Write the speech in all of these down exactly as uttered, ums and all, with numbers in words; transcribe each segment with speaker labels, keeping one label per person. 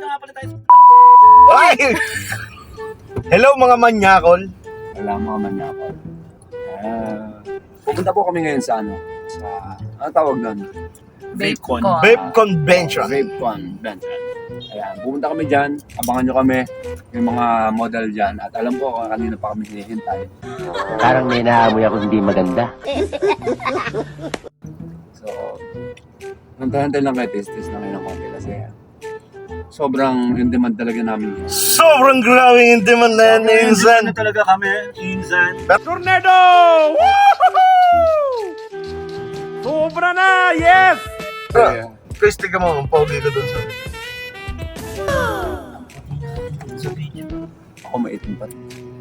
Speaker 1: na nga pala tayo sa
Speaker 2: Ay! Hello mga manyakol.
Speaker 3: Wala mga manyakol. Uh, pupunta po kami ngayon sa ano? Sa, ano tawag doon?
Speaker 1: VapeCon.
Speaker 2: Vape Convention.
Speaker 3: Vape Convention. Ayan, pupunta kami dyan. Abangan nyo kami. Yung mga model dyan. At alam ko kanina pa kami hinihintay.
Speaker 4: Parang may naamoy ako hindi maganda.
Speaker 3: So, hantay-hantay lang kayo. Tis-tis na kayo ng konti kasi sobrang in demand talaga namin yun.
Speaker 2: Sobrang grabing yung demand na yan, Insan.
Speaker 1: na talaga kami, Insan.
Speaker 2: Tornado! Woohoo! Sobra na! Yes!
Speaker 3: Kaya,
Speaker 2: Chris, tignan mo, ang pogi ko dun sa...
Speaker 3: ako maitim pa.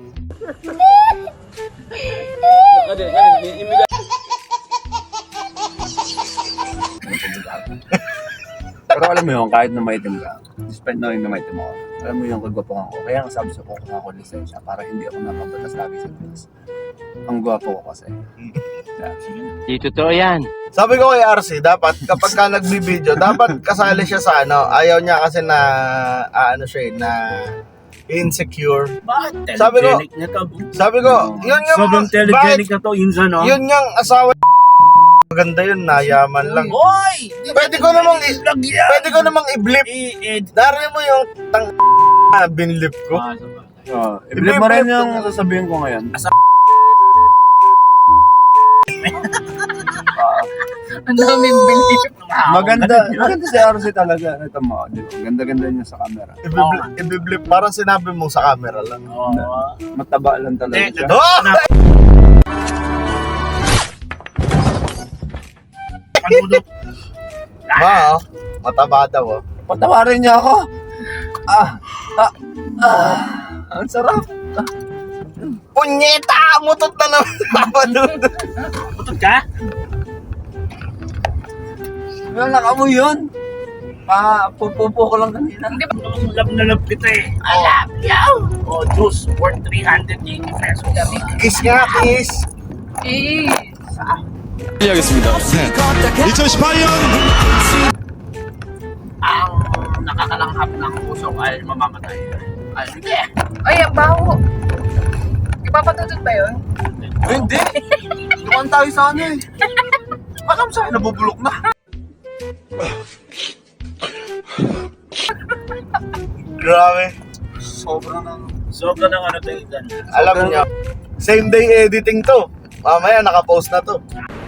Speaker 3: Pero alam mo yun, kahit na maitim ka, despite knowing na maitim ako, alam mo yung kagwapuhan ko. Kaya ang sabi sa ko, kuha ko lisensya para hindi ako napabatas lagi sa taas. Ang gwapo ko kasi. Yeah.
Speaker 4: Di totoo yan.
Speaker 2: Sabi ko kay R C, dapat kapag ka nagbibideo, dapat kasali siya sa ano, ayaw niya kasi na, ah, ano siya eh, na insecure.
Speaker 1: Bakit?
Speaker 2: Sabi ko-
Speaker 1: Telegenic na to.
Speaker 2: Sabi ko, yun nga,
Speaker 1: Sobrang telegenic na to, Insan, no?
Speaker 2: yun nga asawa maganda yun, nayaman lang.
Speaker 1: Hoy!
Speaker 2: Pwede ko namang i-
Speaker 1: Vlog yan!
Speaker 2: Pwede ko namang i-blip.
Speaker 1: I-ed.
Speaker 2: Dari mo yung tang binlip ko.
Speaker 1: Ah, so ba?
Speaker 3: Oh, i-believe mo rin yung sasabihin ko ngayon. Ah,
Speaker 5: Ang daming belief.
Speaker 3: maganda, maganda si R C talaga. Ito mo, di ba? Ganda-ganda niya sa camera.
Speaker 2: Ibiblip, ibiblip. Parang sinabi mo sa camera lang.
Speaker 1: Oo.
Speaker 3: Mataba lang talaga
Speaker 1: Eh,
Speaker 3: siya.
Speaker 2: Oh!
Speaker 1: Panulo.
Speaker 2: Ma, oh. Mataba daw, oh.
Speaker 3: Patawarin niya ako. Ah, ah, ah. Ang sarap.
Speaker 2: Punyeta! Mutot na naman ako doon.
Speaker 1: Putod ka?
Speaker 3: Wala nakamoy yun. Pa, pupupo ko lang kanina.
Speaker 1: Ang love na love kita eh. I love you! Oh, juice worth three hundred eighty pesos.
Speaker 2: Kiss nga, kiss.
Speaker 5: Eh,
Speaker 6: 이천십팔 년
Speaker 1: Ang nakakalanghap ng puso ay mamamatay. Ay, hindi.
Speaker 5: ay, ang baho. Ipapatutod ba yun?
Speaker 3: Ay, hindi. Dumaan tayo sa ano eh. Alam sa'yo, nabubulok na.
Speaker 2: Grabe.
Speaker 3: Sobrang na.
Speaker 1: Sobra ng ano to, Insan.
Speaker 2: Alam niyo, same day editing to. Mamaya nakapost na to.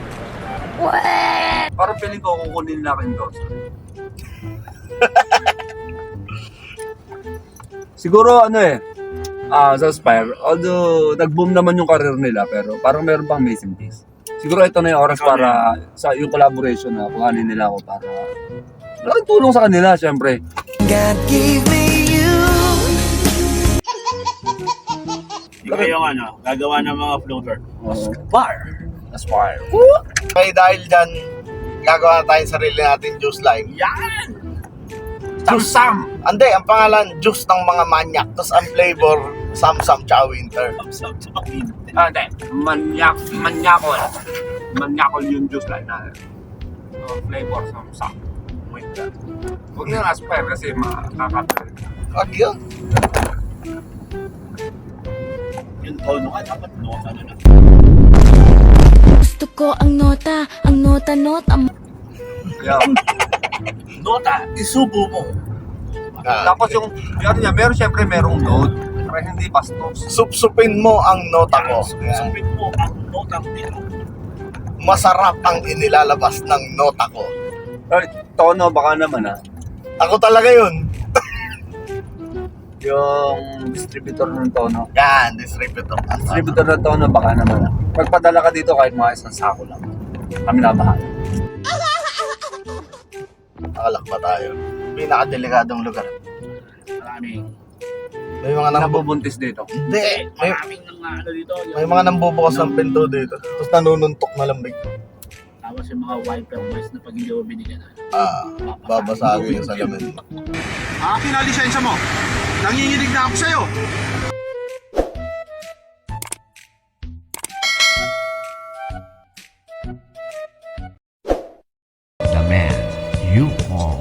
Speaker 3: Parang piling ko kukunin na akin to. Siguro ano eh, ah sa Spire, although nag-boom naman yung career nila, pero parang meron pang missing piece. Siguro ito na yung oras para sa yung collaboration na kuhanin nila ako para malaking tulong sa kanila, syempre.
Speaker 1: Ikaw yung ano, gagawa ng mga floater.
Speaker 3: Uh,
Speaker 1: Bar.
Speaker 3: Aspire.
Speaker 2: Okay, dahil dyan, gagawa na tayong sarili natin juice line.
Speaker 1: Yan!
Speaker 2: Juice-sam! Ande, ang pangalan, juice ng mga manyak. Tapos ang flavor, Sam-Sam tsaka winter.
Speaker 1: Kapsap sa kapin.
Speaker 3: Ah, hindi. Manyak, manyakol. Manyakol yung juice line na. So, flavor sa sa. Wait lang. Huwag nang aspire kasi makakapil.
Speaker 2: Wag yun.
Speaker 1: Yung tono ka, dapat no, ano na.
Speaker 7: Gusto ko ang nota, ang nota, nota.
Speaker 3: Yeah.
Speaker 1: Nota, isubo mo.
Speaker 2: Ah,
Speaker 3: Tapos yung, yung niya, meron syempre merong load. Pero hindi bastos.
Speaker 2: Supsupin mo ang nota ko. Yan.
Speaker 1: Sumpit mo ang notang nila.
Speaker 2: Masarap ang inilalabas ng nota ko.
Speaker 3: Ay, tono baka naman ah.
Speaker 2: Ako talaga yun.
Speaker 3: Yung distributor ng tono.
Speaker 2: Yan, distributor.
Speaker 3: Distributor ng tono baka naman ah. Pagpadala ka dito kahit mga isang sako lang. Kami na bahala.
Speaker 2: Nakalak ba tayo? Pinakadelikadong lugar.
Speaker 1: Maraming,
Speaker 2: May mga nang
Speaker 3: Nabubuntis dito.
Speaker 2: Hindi. May,
Speaker 1: maraming nang ano dito. yung-
Speaker 2: may mga nambubukas ng pinto dito. Tapos nanununtok na lambig.
Speaker 1: Tapos yung mga wiper boys na pag hindi mo binigyan na.
Speaker 2: Ah, babasagin yung salamin.
Speaker 6: akin na lisensya mo. Nanginginig na ako sa'yo.
Speaker 4: The man you are.